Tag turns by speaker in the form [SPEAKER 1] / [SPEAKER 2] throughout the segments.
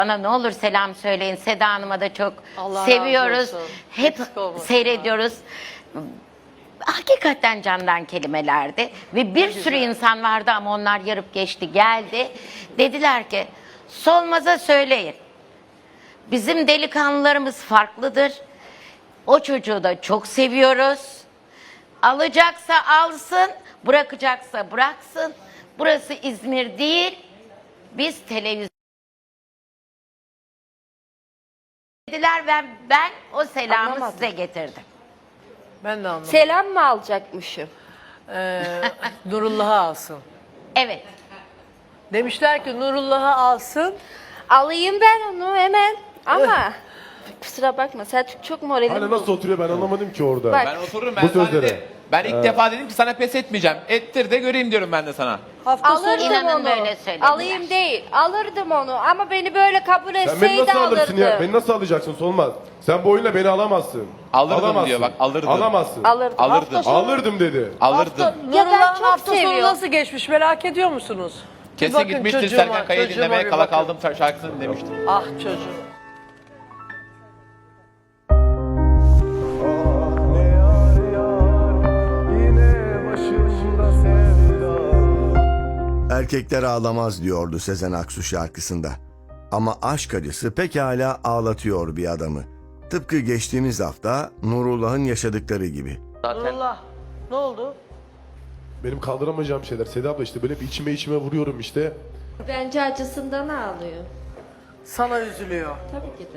[SPEAKER 1] Bana ne olur selam söyleyin. Seda Hanım'a da çok
[SPEAKER 2] Allah
[SPEAKER 1] seviyoruz.
[SPEAKER 2] razı olsun.
[SPEAKER 1] Hep
[SPEAKER 2] Eksik olmasın.
[SPEAKER 1] seyrediyoruz. Hakikaten candan kelimelerdi. Ve bir sürü insan vardı ama onlar yarıp geçti, geldi. Dediler ki Solmaz'a söyleyin. Bizim delikanlılarımız farklıdır. O çocuğu da çok seviyoruz. Alacaksa alsın, bırakacaksa bıraksın. Burası İzmir değil. Biz televizyon dediler ve ben o selamı
[SPEAKER 3] Anlamadım.
[SPEAKER 1] size getirdim.
[SPEAKER 2] Ben de anlamadım.
[SPEAKER 3] Selam mı alacakmışım?
[SPEAKER 2] Nurullah'ı alsın.
[SPEAKER 1] Evet.
[SPEAKER 2] Demişler ki Nurullah'ı alsın.
[SPEAKER 3] Alayım ben onu hemen ama kusura bakma Selçuk çok moralim
[SPEAKER 4] Hani nasıl oturuyor ben anlamadım ki orada.
[SPEAKER 3] Bak.
[SPEAKER 5] Ben otururum
[SPEAKER 4] Bu
[SPEAKER 5] ben
[SPEAKER 4] sözlere.
[SPEAKER 5] sadece. Ben ilk defa dedim ki sana pes etmeyeceğim. Ettir de göreyim diyorum ben de sana.
[SPEAKER 2] Hafta sonu
[SPEAKER 3] Alırdım
[SPEAKER 1] İnanın
[SPEAKER 3] onu.
[SPEAKER 1] böyle söylediler.
[SPEAKER 3] Alayım değil. Alırdım onu ama beni böyle kabul
[SPEAKER 4] Sen beni
[SPEAKER 3] etseydi
[SPEAKER 4] nasıl alırsın
[SPEAKER 3] alırdım.
[SPEAKER 4] ya? Beni nasıl alacaksın Solmaz? Sen bu oyunla beni alamazsın.
[SPEAKER 5] Alırdım
[SPEAKER 4] Alamazsın.
[SPEAKER 5] diyor bak, alırdım.
[SPEAKER 4] Alamazsın.
[SPEAKER 3] Alırdım.
[SPEAKER 5] Alırdım.
[SPEAKER 4] Alırdım dedi.
[SPEAKER 5] Alırdım.
[SPEAKER 3] Ya ben
[SPEAKER 2] Nurullah'ın
[SPEAKER 3] çok
[SPEAKER 2] hafta sonu
[SPEAKER 3] seviyorum.
[SPEAKER 2] nasıl geçmiş merak ediyor musunuz? Bir
[SPEAKER 5] Kesin
[SPEAKER 2] bakın
[SPEAKER 5] gitmiştir
[SPEAKER 2] çocuğuma,
[SPEAKER 5] Serkan Kaya'yı
[SPEAKER 2] çocuğuma
[SPEAKER 5] dinlemeye.
[SPEAKER 2] bir
[SPEAKER 5] Kala
[SPEAKER 2] bakın.
[SPEAKER 5] kaldım şarkısını dinlemiştir.
[SPEAKER 2] Ah çocuğum.
[SPEAKER 6] Erkekler ağlamaz diyordu Sezen Aksu şarkısında. Ama aşk acısı pekala ağlatıyor bir adamı. Tıpkı geçtiğimiz hafta Nurullah'ın yaşadıkları gibi.
[SPEAKER 2] Nurullah ne oldu?
[SPEAKER 4] Benim kaldıramayacağım şeyler. Seda abla işte böyle bir içime vuruyorum işte.
[SPEAKER 3] Bence acısından ağlıyor.
[SPEAKER 2] Sana üzülüyor.
[SPEAKER 3] Tabii ki de.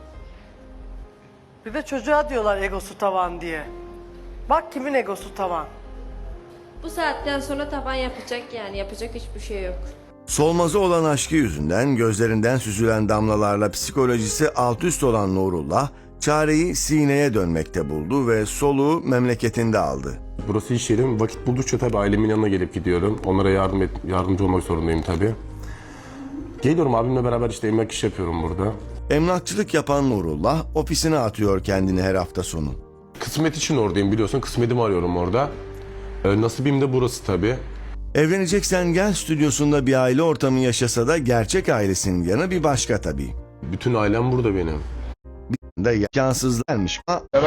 [SPEAKER 2] Bir de çocuğa diyorlar egosu tavan diye. Bak kimin egosu tavan.
[SPEAKER 3] Bu saatten sonra taban yapacak yani yapacak hiçbir şey yok.
[SPEAKER 6] Solmaz'a olan aşkı yüzünden gözlerinden süzülen damlalarla psikolojisi alt üst olan Nurullah, çareyi sineye dönmekte buldu ve soluğu memleketinde aldı.
[SPEAKER 7] Burası iş yerim. Vakit buldukça tabii ailemin yanına gelip gidiyorum. Onlara yardımcı olmak zorundayım tabii. Geliyorum abimle beraber işte emlak iş yapıyorum burada.
[SPEAKER 6] Emlakçılık yapan Nurullah ofisine atıyor kendini her hafta sonu.
[SPEAKER 7] Kısmet için oradayım biliyorsun. Kısmetimi arıyorum orada. Nasibim de burası tabii.
[SPEAKER 6] Evleneceksen gel stüdyosunda bir aile ortamı yaşasa da gerçek ailesinin yanı bir başka tabii.
[SPEAKER 7] Bütün ailem burada benim.
[SPEAKER 6] Da imkansızlarmış.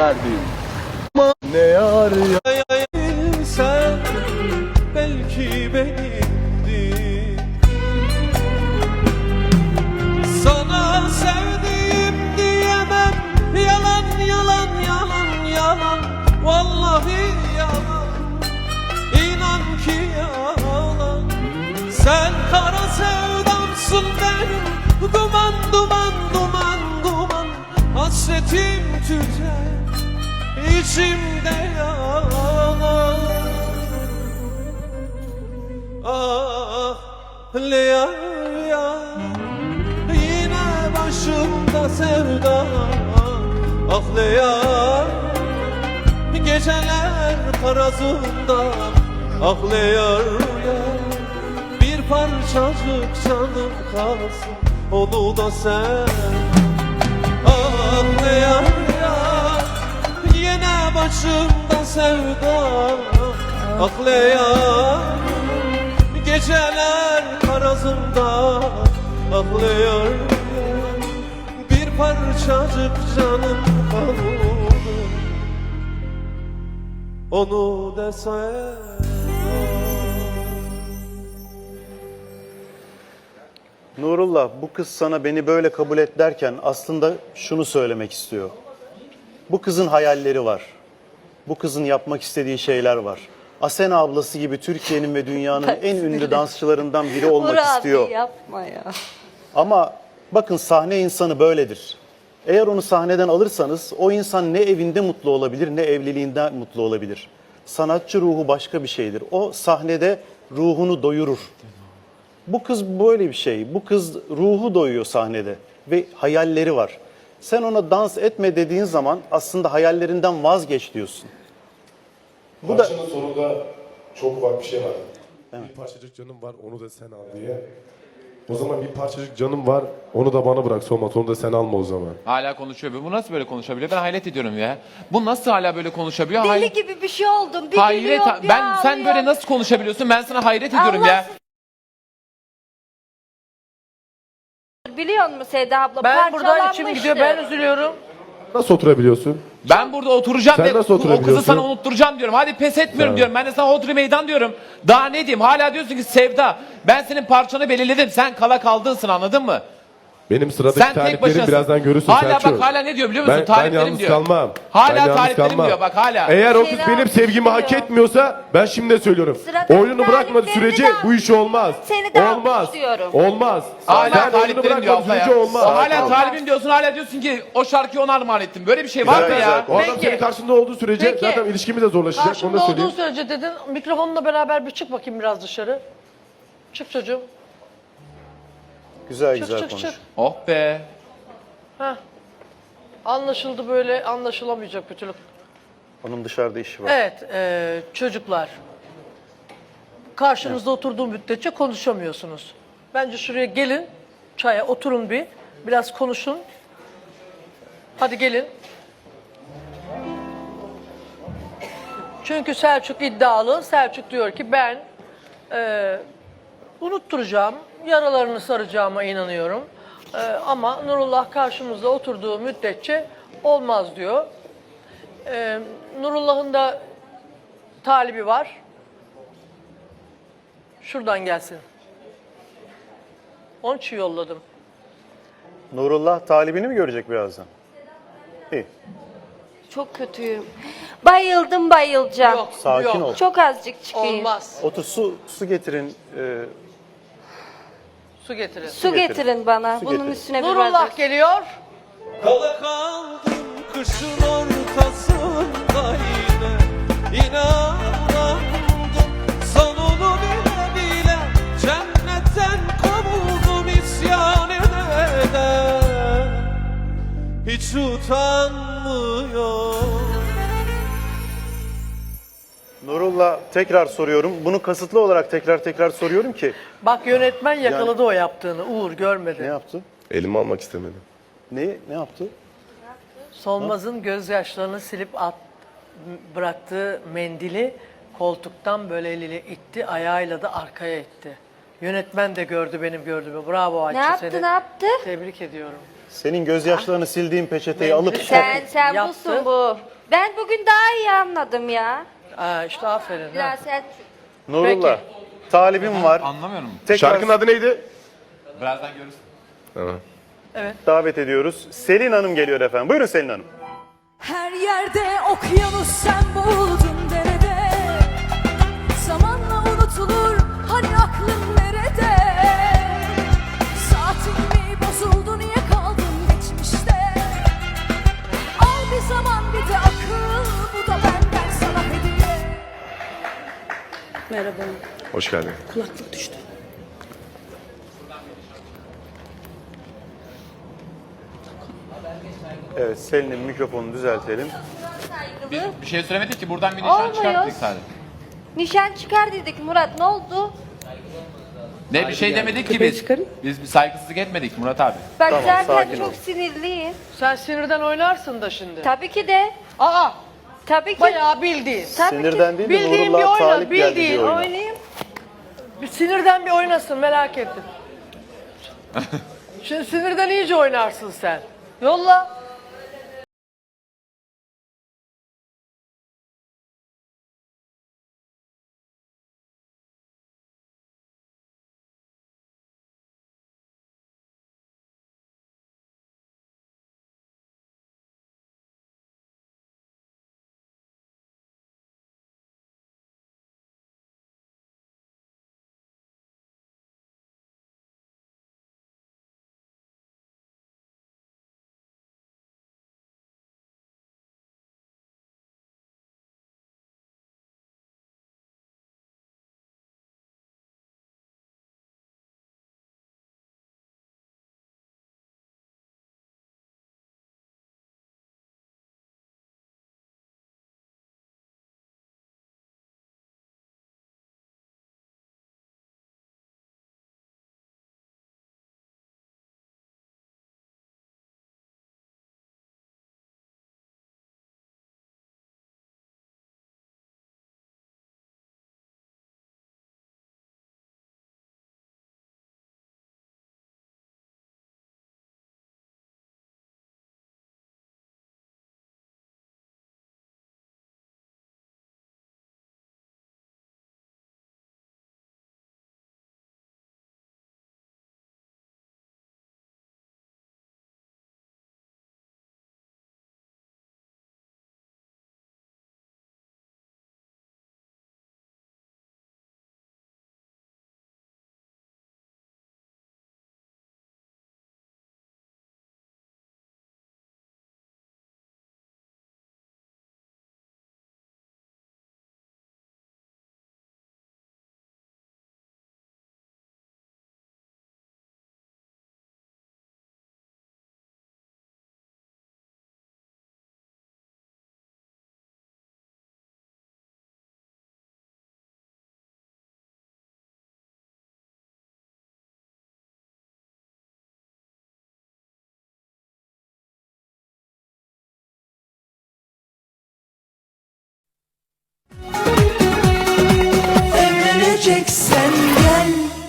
[SPEAKER 8] Sen belki benimdin. Sana sevdiğim diyemem. Yalan yalan yalan yalan. Vallahi yalan. İnan ki yalan. Sen kara sevdamsın benim. Duman duman duman duman. Hasretim tüter. İçimde yanar. Ah Leyla ya. Yine başımda sevda. Ah Leyla. Geceler karazında. Ah Leyla. Bir parçacık canım kalsın. Onu da sen. Ah Leyla. Yine başımda sevda. Aklayan geceler karazımda. Aklayan bir parçacık canım kaldı. Onu desen.
[SPEAKER 9] Nurullah, bu kız sana beni böyle kabul et derken aslında şunu söylemek istiyor. Bu kızın hayalleri var. Bu kızın yapmak istediği şeyler var. Asena ablası gibi Türkiye'nin ve dünyanın en ünlü dansçılarından biri olmak istiyor.
[SPEAKER 3] Yapma ya.
[SPEAKER 9] Ama bakın sahne insanı böyledir. Eğer onu sahneden alırsanız o insan ne evinde mutlu olabilir ne evliliğinde mutlu olabilir. Sanatçı ruhu başka bir şeydir. O sahnede ruhunu doyurur. Bu kız böyle bir şey. Bu kız ruhu doyuyor sahnede ve hayalleri var. Sen ona dans etme dediğin zaman aslında hayallerinden vazgeç diyorsun. Bu da
[SPEAKER 4] Parçanın sonunda çok ufak bir şey var. Bir parçacık canım var onu da sen al diye. O zaman bir parçacık canım var onu da bana bırak Solmaz onu da sen alma o zaman.
[SPEAKER 5] Hala konuşuyor. Bu nasıl böyle konuşabiliyor? Ben hayret ediyorum ya. Bu nasıl hala böyle konuşabiliyor?
[SPEAKER 3] Deli gibi bir şey oldum. Bir
[SPEAKER 5] Hayret.
[SPEAKER 3] gülüyor, bir
[SPEAKER 5] Ben sen
[SPEAKER 3] ağlıyor.
[SPEAKER 5] böyle nasıl konuşabiliyorsun? Ben sana hayret ediyorum
[SPEAKER 3] Allah
[SPEAKER 5] ya.
[SPEAKER 3] Biliyor musun sonra Sevda abla
[SPEAKER 2] Ben burada içim
[SPEAKER 3] parçalanmıştı.
[SPEAKER 2] gidiyor. Ben üzülüyorum.
[SPEAKER 4] Nasıl oturabiliyorsun?
[SPEAKER 5] Ben burada oturacağım
[SPEAKER 4] Sen
[SPEAKER 5] ve
[SPEAKER 4] nasıl
[SPEAKER 5] o kızı
[SPEAKER 4] oturabiliyorsun?
[SPEAKER 5] sana unutturacağım diyorum. Hadi pes etmiyorum
[SPEAKER 4] Sen-
[SPEAKER 5] diyorum. Ben de sana hodri meydan diyorum. Daha ne diyeyim? Hala diyorsun ki Sevda, ben senin parçanı belirledim. Sen kala kaldığısın, anladın mı?
[SPEAKER 4] Benim sıradaki
[SPEAKER 5] Sen tek
[SPEAKER 4] taliplerim
[SPEAKER 5] başınasın.
[SPEAKER 4] birazdan görürsün
[SPEAKER 5] Hala
[SPEAKER 4] Selçuk.
[SPEAKER 5] bak hala ne diyor biliyor musun?
[SPEAKER 4] Ben
[SPEAKER 5] Taliplerim
[SPEAKER 4] yalnız
[SPEAKER 5] diyor.
[SPEAKER 4] kalmam.
[SPEAKER 5] Hala
[SPEAKER 4] Ben yalnız
[SPEAKER 5] taliplerim
[SPEAKER 4] kalmam.
[SPEAKER 5] diyor, bak hala.
[SPEAKER 4] Eğer o kız
[SPEAKER 3] Şeyler
[SPEAKER 4] benim sevgimi hak
[SPEAKER 3] diyor.
[SPEAKER 4] etmiyorsa ben şimdi de söylüyorum.
[SPEAKER 3] Sıradaki
[SPEAKER 4] Oyunu bırakmadığı
[SPEAKER 3] taliplerini
[SPEAKER 4] sürece
[SPEAKER 3] de
[SPEAKER 4] bu iş olmaz.
[SPEAKER 3] Seni de
[SPEAKER 4] Olmaz.
[SPEAKER 3] almış diyorum.
[SPEAKER 4] Olmaz.
[SPEAKER 5] Hala
[SPEAKER 4] Sen oyunu
[SPEAKER 5] taliplerim diyor
[SPEAKER 4] bırakmadığı
[SPEAKER 5] abla ya.
[SPEAKER 4] sürece olmaz.
[SPEAKER 5] O hala talibim diyorsun, hala diyorsun ki o şarkıyı ona armağan ettim. Böyle bir şey var mı
[SPEAKER 9] Güzel,
[SPEAKER 5] ya?
[SPEAKER 9] güzel.
[SPEAKER 4] O adam
[SPEAKER 2] Peki.
[SPEAKER 4] senin karşında olduğu sürece
[SPEAKER 2] Peki.
[SPEAKER 4] zaten ilişkimiz de zorlaşacak. Onu
[SPEAKER 2] Karşımda
[SPEAKER 4] da
[SPEAKER 2] olduğu
[SPEAKER 4] söyleyeyim.
[SPEAKER 2] sürece dedin. Mikrofonla beraber bir çık bakayım biraz dışarı. Çık çocuğum.
[SPEAKER 9] Güzel
[SPEAKER 2] Çık
[SPEAKER 9] güzel
[SPEAKER 2] çık
[SPEAKER 9] konuş.
[SPEAKER 2] çık.
[SPEAKER 5] Oh be.
[SPEAKER 2] Heh. Anlaşıldı, böyle anlaşılamayacak bir türlü.
[SPEAKER 9] Onun dışarıda işi var.
[SPEAKER 2] Evet çocuklar. Karşınızda oturduğum müddetçe konuşamıyorsunuz. Bence şuraya gelin. Çaya oturun bir. Biraz konuşun. Hadi gelin. Çünkü Selçuk iddialı. Selçuk diyor ki ben unutturacağım, yaralarını saracağıma inanıyorum. Ama Nurullah karşımızda oturduğu müddetçe olmaz diyor. Nurullah'ın da talibi var. Şuradan gelsin. Onun için yolladım.
[SPEAKER 9] Nurullah talibini mi görecek birazdan? İyi.
[SPEAKER 3] Çok kötüyüm. Bayıldım bayılacağım.
[SPEAKER 2] Yok,
[SPEAKER 9] Sakin
[SPEAKER 2] yok.
[SPEAKER 9] ol.
[SPEAKER 3] Çok azıcık çıkayım.
[SPEAKER 2] Olmaz.
[SPEAKER 9] Otur su getirin.
[SPEAKER 2] Su getirin.
[SPEAKER 3] Su getirin bana.
[SPEAKER 9] Su
[SPEAKER 3] Bunun
[SPEAKER 9] getirin.
[SPEAKER 3] üstüne bir
[SPEAKER 2] Nurullah
[SPEAKER 3] bardak.
[SPEAKER 2] geliyor.
[SPEAKER 8] Kala kaldım kışın ortasında yine İnanamadım sonunu bile bile cennetten kovuldum isyan eder hiç utanmıyor.
[SPEAKER 9] Nurullah tekrar soruyorum. Bunu kasıtlı olarak tekrar soruyorum ki.
[SPEAKER 2] Bak yönetmen yakaladı o yaptığını. Uğur
[SPEAKER 9] Ne
[SPEAKER 2] görmedi.
[SPEAKER 9] yaptı?
[SPEAKER 4] Elimi almak istemedim.
[SPEAKER 9] Ne yaptı?
[SPEAKER 2] Solmaz'ın gözyaşlarını silip bıraktığı mendili koltuktan böyle eliyle itti, ayağıyla da arkaya itti. Yönetmen de gördü benim gördüğümü. Bravo Ayça,
[SPEAKER 3] Ne yaptı
[SPEAKER 2] seni
[SPEAKER 3] ne yaptı?
[SPEAKER 2] tebrik ediyorum.
[SPEAKER 9] Senin gözyaşlarını sildiğin peçeteyi alıp
[SPEAKER 3] Sen
[SPEAKER 2] Yaptı.
[SPEAKER 3] busun bu. Ben bugün daha iyi anladım ya.
[SPEAKER 2] İşte aferin. Ha.
[SPEAKER 3] Biraz Selçuk.
[SPEAKER 9] Nurullah talibim var.
[SPEAKER 5] Anlamıyorum.
[SPEAKER 9] Tekrar
[SPEAKER 4] Şarkının adı neydi?
[SPEAKER 5] Birazdan görürsün.
[SPEAKER 4] Tamam.
[SPEAKER 9] davet ediyoruz. Selin Hanım geliyor efendim. Buyurun Selin Hanım.
[SPEAKER 10] Her yerde okyanus sen buldun derede. Zamanla unutulur hani aklın nerede? Saatin mi bozuldu niye kaldın geçmişte? Al bir zaman bir de akıl, bu da benden sana hediye. Merhaba.
[SPEAKER 4] Hoş geldin.
[SPEAKER 10] Kulaklık düştü.
[SPEAKER 9] Evet Selin'in mikrofonunu düzeltelim.
[SPEAKER 5] Biz bir şey söylemedik ki, buradan bir nişan
[SPEAKER 3] Olmuyor.
[SPEAKER 5] çıkarttık sadece.
[SPEAKER 3] Nişan çıkar dedik Murat, ne oldu?
[SPEAKER 5] Ne bir şey demedik ki biz. Biz bir saygısızlık etmedik Murat abi.
[SPEAKER 3] Bak
[SPEAKER 9] Tamam,
[SPEAKER 3] zaten
[SPEAKER 9] sakin
[SPEAKER 3] çok
[SPEAKER 9] ol.
[SPEAKER 3] sinirliyim.
[SPEAKER 2] Sen sinirden oynarsın da şimdi.
[SPEAKER 3] Tabii ki de.
[SPEAKER 2] Aa,
[SPEAKER 3] Tabii ki.
[SPEAKER 2] bayağı bildiğin.
[SPEAKER 3] Tabii
[SPEAKER 9] Sinirden değil de
[SPEAKER 2] Bildiğin bir
[SPEAKER 9] Nurullah
[SPEAKER 2] oyna,
[SPEAKER 9] talip geldi
[SPEAKER 2] bildiğin
[SPEAKER 9] diye oyna.
[SPEAKER 3] Oynayayım.
[SPEAKER 2] Bir sinirden bir oynasın, merak ettim. Şimdi sinirden iyice oynarsın sen. Yolla.
[SPEAKER 10] Evleneceksen gel.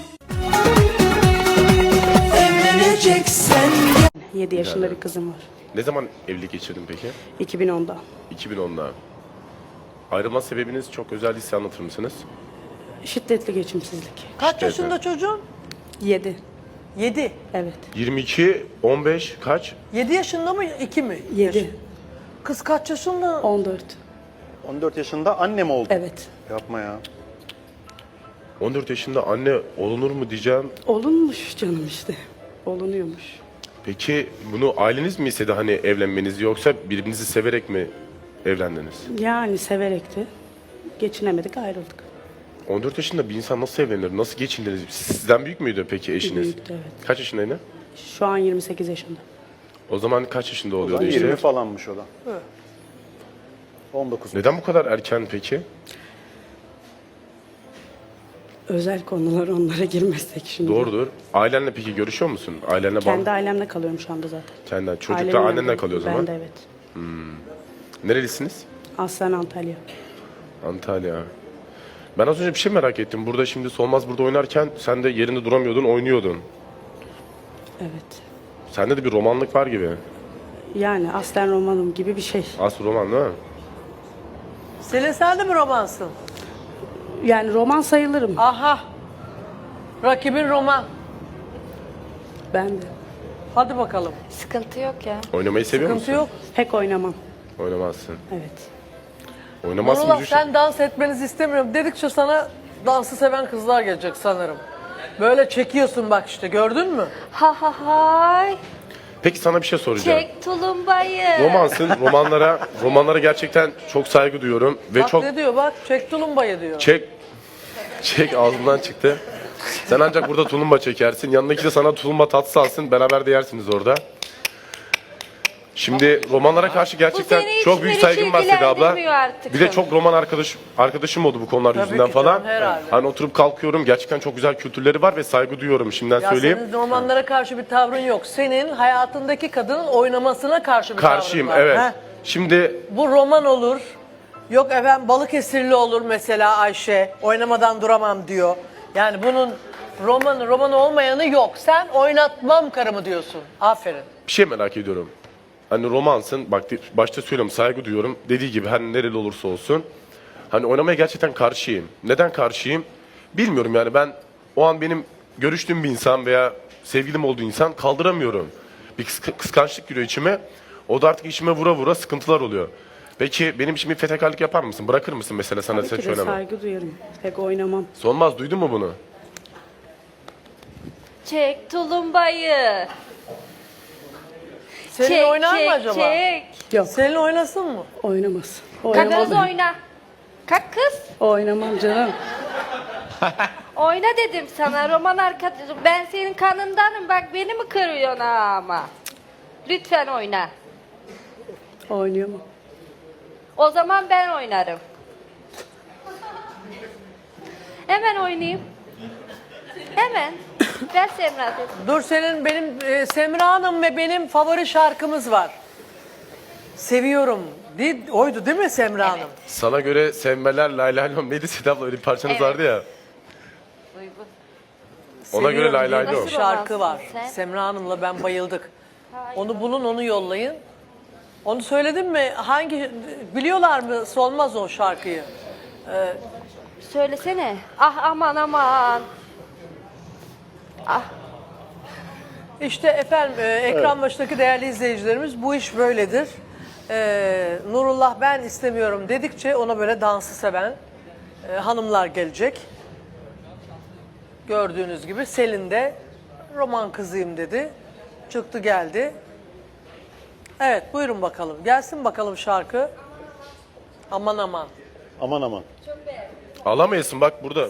[SPEAKER 10] Evleneceksen gel.
[SPEAKER 11] 7 yaşında bir kızım var.
[SPEAKER 4] Ne zaman evlilik geçirdin peki?
[SPEAKER 11] 2010'da.
[SPEAKER 4] 2010'da. Ayrılma sebebiniz çok özel değilse anlatır mısınız?
[SPEAKER 11] Şiddetli geçimsizlik.
[SPEAKER 2] Kaç yaşında çocuğun?
[SPEAKER 11] 7.
[SPEAKER 2] 7.
[SPEAKER 11] Evet.
[SPEAKER 4] 22, 15 kaç?
[SPEAKER 2] 7 yaşında mı? 2 mi?
[SPEAKER 11] 7.
[SPEAKER 2] Kız kaç yaşında?
[SPEAKER 11] 14.
[SPEAKER 9] 14 yaşında anne mi oldu?
[SPEAKER 11] Evet.
[SPEAKER 9] Yapma ya.
[SPEAKER 4] 14 yaşında anne olunur mu diyeceğim.
[SPEAKER 11] Olunmuş canım işte. Olunuyormuş.
[SPEAKER 4] Peki bunu aileniz mi istedi hani evlenmenizi yoksa birbirinizi severek mi evlendiniz?
[SPEAKER 11] Yani severekti. Geçinemedik, ayrıldık.
[SPEAKER 4] 14 yaşında bir insan nasıl evlenir? Nasıl geçindiniz? Sizden büyük müydü peki eşiniz?
[SPEAKER 11] Büyüktü, evet.
[SPEAKER 4] Kaç yaşındaydı?
[SPEAKER 11] Şu an 28 yaşında.
[SPEAKER 4] O zaman kaç yaşında oluyordu
[SPEAKER 9] 20
[SPEAKER 4] işte?
[SPEAKER 9] falanmış o da. 19.
[SPEAKER 4] Neden bu kadar erken peki?
[SPEAKER 11] Özel konular, onlara girmezsek şimdi.
[SPEAKER 4] Doğrudur. Ailenle peki görüşüyor musun? Ailenle
[SPEAKER 11] Kendi ailemle kalıyorum şu anda zaten.
[SPEAKER 4] Kendinden. Çocuklar
[SPEAKER 11] Ailemin
[SPEAKER 4] annenle
[SPEAKER 11] yanında.
[SPEAKER 4] kalıyor o zaman.
[SPEAKER 11] Ben de evet.
[SPEAKER 4] Nerelisiniz?
[SPEAKER 11] Aslen Antalya.
[SPEAKER 4] Antalya. Ben az önce bir şey merak ettim. Burada şimdi Solmaz burada oynarken sen de yerinde duramıyordun, oynuyordun.
[SPEAKER 11] Evet.
[SPEAKER 4] Sende de bir romanlık var gibi.
[SPEAKER 11] Yani aslen romanım gibi bir şey.
[SPEAKER 4] Aslı roman değil mi?
[SPEAKER 2] Selin sen de mi romansın?
[SPEAKER 11] Yani roman sayılırım.
[SPEAKER 2] Aha. Rakibin roman.
[SPEAKER 11] Ben de.
[SPEAKER 2] Hadi bakalım.
[SPEAKER 3] Sıkıntı yok ya.
[SPEAKER 4] Oynamayı seviyor
[SPEAKER 2] Sıkıntı
[SPEAKER 4] musun?
[SPEAKER 2] yok.
[SPEAKER 11] Pek oynamam.
[SPEAKER 4] Oynamazsın.
[SPEAKER 11] Evet.
[SPEAKER 4] Oynamazsın
[SPEAKER 2] Nurullah
[SPEAKER 4] müzik.
[SPEAKER 2] sen dans etmenizi istemiyorum dedikçe sana dansı seven kızlar gelecek sanırım. Böyle çekiyorsun bak işte gördün mü?
[SPEAKER 3] Ha ha hay.
[SPEAKER 4] Peki sana bir şey soracağım.
[SPEAKER 3] Çek tulumbayı.
[SPEAKER 4] Romansın, romanlara gerçekten çok saygı duyuyorum ve
[SPEAKER 2] Bak
[SPEAKER 4] çok
[SPEAKER 2] ne diyor bak çek tulumbayı diyor.
[SPEAKER 4] çek ağzımdan çıktı. Sen ancak burada tulumba çekersin. Yanındaki de sana tulumba tatlısı alsın. Beraber de yersiniz orada. Şimdi romanlara karşı gerçekten
[SPEAKER 3] seni
[SPEAKER 4] çok büyük
[SPEAKER 3] hiç
[SPEAKER 4] saygım var Seda abla.
[SPEAKER 3] ilgilendirmiyor artık.
[SPEAKER 4] Bir de çok roman arkadaşım oldu bu konular
[SPEAKER 2] Tabii
[SPEAKER 4] yüzünden
[SPEAKER 2] ki
[SPEAKER 4] falan.
[SPEAKER 2] canım, herhalde.
[SPEAKER 4] Hani oturup kalkıyorum. Gerçekten çok güzel kültürleri var ve saygı duyuyorum. Şimdiden
[SPEAKER 2] Ya
[SPEAKER 4] söyleyeyim.
[SPEAKER 2] senin romanlara karşı bir tavrın yok. Senin hayatındaki kadının oynamasına karşı bir
[SPEAKER 4] Karşıyım
[SPEAKER 2] tavrın var.
[SPEAKER 4] evet.
[SPEAKER 2] Heh.
[SPEAKER 4] Şimdi
[SPEAKER 2] Bu roman olur. Yok efendim Balıkesirli olur mesela Ayşe. Oynamadan duramam diyor. Yani bunun roman olmayanı yok. Sen oynatmam karımı diyorsun. Aferin.
[SPEAKER 4] bir şey merak ediyorum. Hani romansın, bak başta söylüyorum saygı duyuyorum. Dediği gibi hani nereli olursa olsun. Hani oynamaya gerçekten karşıyım. Neden karşıyım? Bilmiyorum yani ben o an benim görüştüğüm bir insan veya sevgilim olduğu insan kaldıramıyorum. Bir kıskançlık giriyor içime. O da artık içime vura vura sıkıntılar oluyor. Peki benim için bir fedakarlık yapar mısın? Bırakır mısın mesela sana
[SPEAKER 11] Tabii ki
[SPEAKER 4] seç
[SPEAKER 11] de
[SPEAKER 4] oynama?
[SPEAKER 11] saygı duyarım. Pek oynamam.
[SPEAKER 4] Solmaz duydun mu bunu?
[SPEAKER 3] Çek tulumbayı.
[SPEAKER 2] Selin
[SPEAKER 3] Çek
[SPEAKER 2] oynar
[SPEAKER 3] çek
[SPEAKER 2] mı acaba?
[SPEAKER 3] çek.
[SPEAKER 11] Yok,
[SPEAKER 2] Selin oynasın mı?
[SPEAKER 11] oynamaz.
[SPEAKER 3] Kalk kız
[SPEAKER 11] Oynamam.
[SPEAKER 3] oyna. Kalk kız.
[SPEAKER 11] Oynamam canım.
[SPEAKER 3] Oyna dedim sana roman arkadaşım. Ben senin kanındanım bak beni mi kırıyorsun ama. Lütfen oyna.
[SPEAKER 11] Oynayamam.
[SPEAKER 3] O zaman ben oynarım. Hemen oynayayım. Hemen. Ver Semra dedim.
[SPEAKER 2] Dur senin Semra Hanım ve benim favori şarkımız var. Seviyorum. Oydu değil mi Semra Hanım?
[SPEAKER 4] Sana göre sevmeler lay lay lom neydi Seda abla öyle bir parçanız vardı ya. Ona göre lay lay
[SPEAKER 2] diye
[SPEAKER 4] lom.
[SPEAKER 2] bir şarkı var.
[SPEAKER 3] romansın sen?
[SPEAKER 2] Semra Hanım'la ben bayıldık. Onu bulun, onu yollayın. Onu söyledin mi? Biliyorlar mı? Solmaz o şarkıyı.
[SPEAKER 3] Söylesene. Ah aman aman.
[SPEAKER 2] İşte efendim ekran başındaki değerli izleyicilerimiz bu iş böyledir. Nurullah ben istemiyorum dedikçe ona böyle dansı seven hanımlar gelecek. Gördüğünüz gibi Selin de roman kızıyım dedi. Çıktı geldi. Evet buyurun bakalım. Gelsin bakalım şarkı. Aman aman.
[SPEAKER 9] Aman aman.
[SPEAKER 4] Alamayasın bak burada.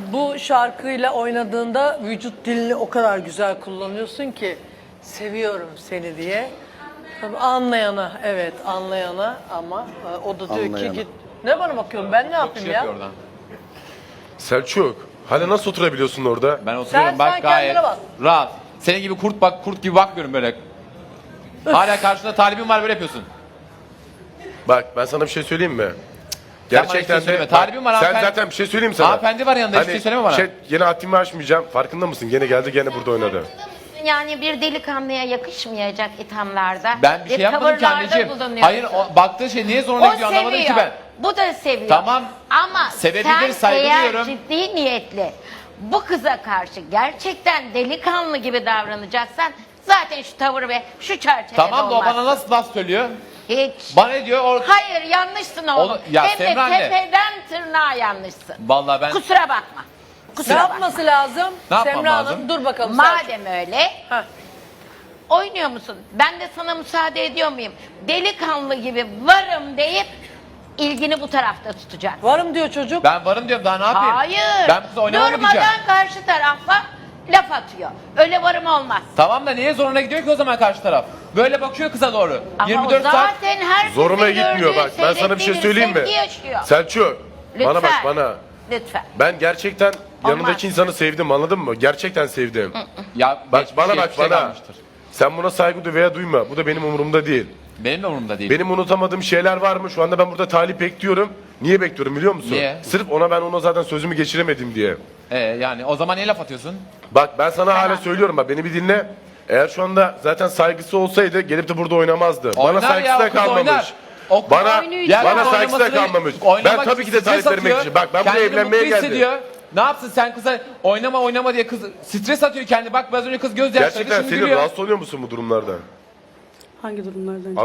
[SPEAKER 2] bu şarkıyla oynadığında vücut dilini o kadar güzel kullanıyorsun ki seviyorum seni diye. Tabii anlayana, evet anlayana ama o da diyor ki
[SPEAKER 9] Anlayana.
[SPEAKER 2] git. Ne bana bakıyorsun, ben ne
[SPEAKER 5] Çok
[SPEAKER 2] yapayım
[SPEAKER 5] şey
[SPEAKER 2] ya?
[SPEAKER 5] yapıyor oradan.
[SPEAKER 4] Selçuk, hala nasıl oturabiliyorsun orada?
[SPEAKER 5] Ben oturuyorum
[SPEAKER 2] Sen
[SPEAKER 5] bak gayet
[SPEAKER 2] kendine bak.
[SPEAKER 5] rahat. Senin gibi kurt gibi bakmıyorum böyle. Hala karşında talibin var böyle yapıyorsun.
[SPEAKER 4] Bak ben sana bir şey söyleyeyim mi?
[SPEAKER 5] Sen bana
[SPEAKER 4] Gerçekten
[SPEAKER 5] hiçbir şey
[SPEAKER 4] de
[SPEAKER 5] söyleme. Talibim var,
[SPEAKER 4] sen
[SPEAKER 5] hanımefendi.
[SPEAKER 4] zaten bir şey söyleyeyim sana.
[SPEAKER 5] Hanımefendi var yanında, hiçbir şey söyleme bana.
[SPEAKER 4] Yine haddimi aşmayacağım. Farkında mısın? Gene geldi gene burada oynadı.
[SPEAKER 1] Yani bir delikanlıya yakışmayacak ithamlarda.
[SPEAKER 5] Ben bir şey yapmadım ki
[SPEAKER 1] tavırlarda
[SPEAKER 5] anneciğim.
[SPEAKER 1] bulunuyorsun.
[SPEAKER 5] Hayır baktığı şey niye zoruna
[SPEAKER 1] O
[SPEAKER 5] gidiyor anlamadım ki
[SPEAKER 1] seviyor.
[SPEAKER 5] ben.
[SPEAKER 1] Bu da seviyor.
[SPEAKER 5] Tamam.
[SPEAKER 1] Ama
[SPEAKER 5] Sevebilir,
[SPEAKER 1] sen
[SPEAKER 5] saygı
[SPEAKER 1] eğer
[SPEAKER 5] duyuyorum.
[SPEAKER 1] ciddi niyetli bu kıza karşı gerçekten delikanlı gibi davranacaksan zaten şu tavır ve şu çerçevede
[SPEAKER 5] Tamam da o
[SPEAKER 1] olmaz.
[SPEAKER 5] bana nasıl laf söylüyor?
[SPEAKER 1] Hiç.
[SPEAKER 5] Bana ne diyor?
[SPEAKER 1] Hayır yanlışsın oğlum.
[SPEAKER 5] Onu- ya
[SPEAKER 1] Hem de
[SPEAKER 5] Semra anne.
[SPEAKER 1] tepeden tırnağa yanlışsın.
[SPEAKER 5] Vallahi ben
[SPEAKER 1] Kusura bakma.
[SPEAKER 2] Ne
[SPEAKER 1] Kusura bakma.
[SPEAKER 2] yapması lazım?
[SPEAKER 5] Ne yapmam
[SPEAKER 2] Semra Hanım
[SPEAKER 5] lazım?
[SPEAKER 2] dur bakalım. Selçuk.
[SPEAKER 1] Madem öyle
[SPEAKER 2] Heh.
[SPEAKER 1] oynuyor musun? Ben de sana müsaade ediyor muyum? Delikanlı gibi varım deyip ilgini bu tarafta tutacak.
[SPEAKER 2] Varım diyor çocuk.
[SPEAKER 5] ben varım diyorum daha ne yapayım?
[SPEAKER 1] Hayır.
[SPEAKER 5] Ben kızla oynamam mı diyeceğim?
[SPEAKER 1] Durmadan karşı tarafa laf atıyor. Öyle varım olmaz.
[SPEAKER 5] Tamam da niye zoruna gidiyor ki o zaman karşı taraf? Böyle bakıyor kıza doğru.
[SPEAKER 1] Ama
[SPEAKER 5] 24
[SPEAKER 1] o
[SPEAKER 5] saat.
[SPEAKER 1] zaten her
[SPEAKER 4] Zoruna gitmiyor bak. Ben sana bir şey söyleyeyim mi?
[SPEAKER 1] Yaşıyor.
[SPEAKER 4] Selçuk, bana bak
[SPEAKER 1] Lütfen.
[SPEAKER 4] bana.
[SPEAKER 1] Lütfen.
[SPEAKER 4] Ben gerçekten
[SPEAKER 1] Olmaz.
[SPEAKER 4] yanındaki insanı sevdim anladın mı? Gerçekten sevdim.
[SPEAKER 5] Ya
[SPEAKER 4] Bak
[SPEAKER 5] geçmiş
[SPEAKER 4] bana bak
[SPEAKER 5] geçmişe
[SPEAKER 4] bana.
[SPEAKER 5] kalmıştır.
[SPEAKER 4] Sen buna saygı duy veya duyma. Bu da benim umurumda değil.
[SPEAKER 5] Benim de umurumda değil.
[SPEAKER 4] Benim unutamadığım şeyler var mı? Şu anda ben burada talip bekliyorum. Niye bekliyorum biliyor musun?
[SPEAKER 5] Niye?
[SPEAKER 4] Sırf ona zaten sözümü geçiremedim diye.
[SPEAKER 5] Yani o zaman niye laf atıyorsun?
[SPEAKER 4] Bak ben sana hala söylüyorum bak beni bir dinle. Eğer şu anda zaten saygısı olsaydı gelip de burada oynamazdı.
[SPEAKER 5] Oynar
[SPEAKER 4] Bana saygısı
[SPEAKER 5] ya,
[SPEAKER 4] da
[SPEAKER 5] o kız
[SPEAKER 4] kalmamış.
[SPEAKER 5] oynar. O kız
[SPEAKER 4] Bana
[SPEAKER 5] Ya
[SPEAKER 4] bana
[SPEAKER 5] kız
[SPEAKER 4] saygısı da
[SPEAKER 5] oynamasını-
[SPEAKER 4] kalmamış. Ben
[SPEAKER 5] oynamak
[SPEAKER 4] tabii ki de
[SPEAKER 5] için
[SPEAKER 4] talip
[SPEAKER 5] stres
[SPEAKER 4] vermek
[SPEAKER 5] atıyor.
[SPEAKER 4] için. Bak ben buraya
[SPEAKER 5] Kendini
[SPEAKER 4] evlenmeye
[SPEAKER 5] mutlu
[SPEAKER 4] geldim.
[SPEAKER 5] hissediyor. Ne yapsın sen kıza oynama diye kız stres atıyor kendi. Bak biraz önce kız göz yaşlarıydı
[SPEAKER 4] Gerçekten
[SPEAKER 5] şimdi
[SPEAKER 4] senin
[SPEAKER 5] gülüyor.
[SPEAKER 4] rahatsız oluyor musun bu durumlardan?
[SPEAKER 11] Hangi durumlardan?